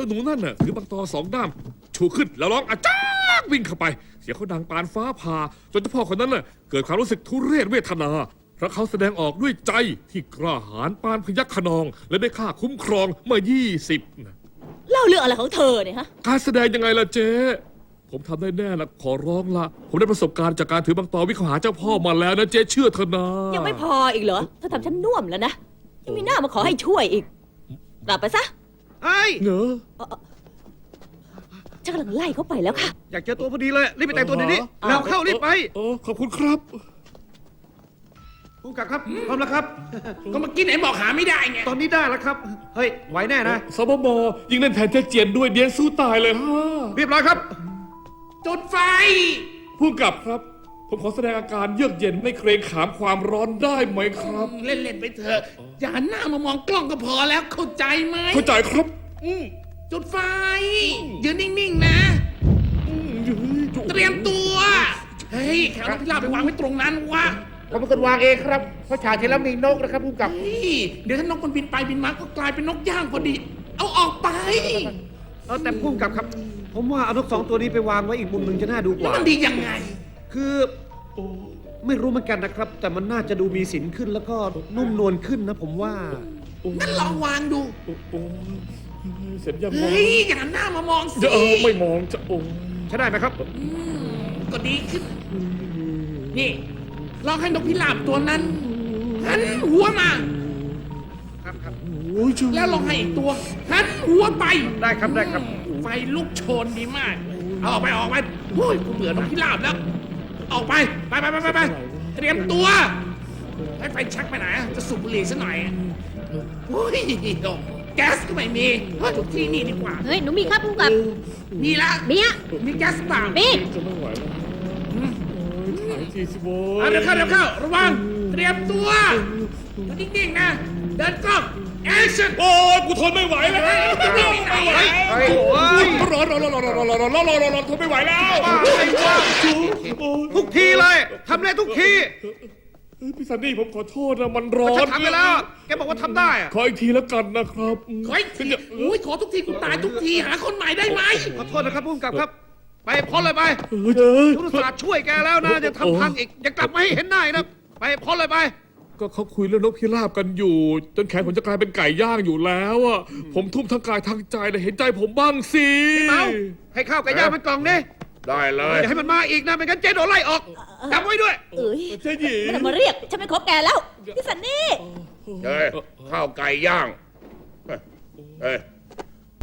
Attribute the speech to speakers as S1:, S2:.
S1: จ้าหนูนั่นน่ะถือบังตอสองด้ามชูขึ้นแล้วร้องอาจ้ากวิ่งเข้าไปเสียงเขาดังปานฟ้าผ่าจนเจ้าพ่อคนนั้นน่ะเกิดความรู้สึกทุเรศเวทนาเพราะเขาแสดงออกด้วยใจที่กล้าหาญปานพยัคฆ์ขนองและได้ค่าคุ้มครองเมื่อ20นะ
S2: เล่าเรื่องอะไรของเธอเนี่ยฮะ
S1: การแสดงยังไงล่ะเจ๊ผมทำได้แน่ละขอร้องละผมได้ประสบการณ์จากการถือบังตอวิ่งเข้าหาเจ้าพ่อมาแล้วนะเจ๊เชื่อเถอะนะ
S2: ยังไม่พออีกเหรอเธอทำฉันน่วมแล้วนะยังมีหน้ามาขอให้ช่วยอีกกลับไปซะ
S3: เฮ้ย
S1: เหงอ
S2: ฉันกำลังไล่เขาไปแล้วค่ะ
S3: อยากเจอตัวพอดีเลยรีบไปแต่งตัวเดี๋ยวนี้เราเข้ารีบไป
S1: ขอบคุณครับ
S3: ผู้กำกับครับพร้อมแล้วครับ
S4: ก็เมื่อกี้ไหนบอกหาไม่ได้ไง
S3: ตอนนี้ได้แล้วครับเฮ้ยไหวแน่นะ
S1: สบมยิงเล่นแทนเจ๊เจียนด้วยเดียนสู้ตายเลยฮะ
S3: เรียบร้อยครับ
S4: จุดไฟ
S1: ผู้กำกับครับ ผมขอแสดงอาการเยือกเย็นไม่เกรงขามความร้อนได้ไหมครับ
S4: เล่นๆไปเถอะ อย่าหันหน้ามามองกล้องก็พอแล้วเข้าใจไหม
S1: เข้าใจครับ
S4: จุดไฟ ยืนนิ่งๆนะ เตรียมตัว เฮ้ยแขวนนกพิราบไปวางไว้ตรงนั้นวะ
S5: ผมเป็นคนวางเองครับเพราะฉากที่แล้วมีนกนะครับผู้กำกับ
S4: เฮ้ยเดี๋ยวถ้านกมันบินไปบินมาก็กลายเป็นนกย่างพอดี เอาออกไป
S3: แต่ผู้กำกับครับ ผมว่าเอานกสองตัวนี้ไปวางไว้อีกมุมหนึ่งจะน่าดูก
S4: แล้ว
S3: ว่า
S4: มันดียังไง
S3: คือไม่รู้เหมือนกันนะครับ แต่มันน่าจะดูมีสินขึ้นแล้วก็นุ่มนวลขึ้นนะผมว่า
S4: งั้นลองวางดู
S1: โอ้เสร็จยังมอง
S4: เฮ้ยอย่าหันหน้ามามองสิ
S1: ไม่มองจะโอ้
S3: ใช่ได้ไหมครับ
S4: ก็ดีขึ้น นี่ลองให้นกพิราบตัวนั้นหันหัวมา
S3: ครับครับ
S1: โอ้ยจุ๊
S4: แล้วลองให้อีกตัวหันหัวไป
S3: ได้ครับได้ครับ
S4: ไฟลุกโชนดีมาก เอาออกไปโอ้ยกูเบื่อนกพิราบแล้ว ออกไปไปเตรียมตัวให้ไฟชักไปไหนอะจะสูบบุหรี่ซะหน่อยโอ้ยแก๊สก็ไม่มีเฮ้ยทุกที่นี่ดีกว่า
S2: เฮ้ยหนูมีครับผู้กำกับ
S4: มีละ
S2: มีอะ
S4: มีแก๊สเปล่า
S2: มี
S1: จะไม่ไหวแล้วถ่ายทีสิโว้
S4: เอาเดี๋ยวเข้าระวังเตรียมตัวอยู่นิ่งๆนะเดินกล้องแอคชั่น
S1: โอ้ยกูทนไม่ไหวแล้ว
S4: ไม่ไหว
S3: เฮ้ย
S1: ร้อนทนไม่ไหวแล้ว
S3: ทุกทีเลยทำได้ทุกที
S1: พี่ซันนี่ผมขอโทษนะมันร้อน
S3: ฉันทำไปแล้ว แกบอกว่าทำได้อะ
S1: ขออีกทีแล้วกันนะครับ
S4: ขออีกทีอุ้ยขอทุกทีกูตายทุกทีหาคนใหม่ได้ไหม
S3: ขอโทษนะครับผู้กำกับครับ ไปพ้นเลยไป
S1: เฮ้ย
S3: ทุกศาสตร์ช่วยแกแล้วนะจะทำพังอีกอย่ากลับมาให้เห็นหน้าอีกนะไปพ้นเลยไป
S1: ก็เขาคุยเรื่องนกพิราบกันอยู่ จนแขนผมจะกลายเป็นไก่ย่างอยู่แล้วอ่ะผมทุ่มทั้งกายทั้งใจเลยเห็นใจผมบ้างสิ
S3: เมาให้ข้าวไก่ย่างมันกล่องดิ
S5: ได้เลย
S3: อย่าให้มันมาอีกนะไม่งั้นเจ๊โดนไล่ออกจำไว้ด้วย
S2: เอ้ย
S1: เจ๊หญิง
S2: ไม่ต้องมาเรียกฉันไม่คบแกแล้วพี่สันนี่
S5: เฮ้ยข้าวไก่ย่าง เฮ้ย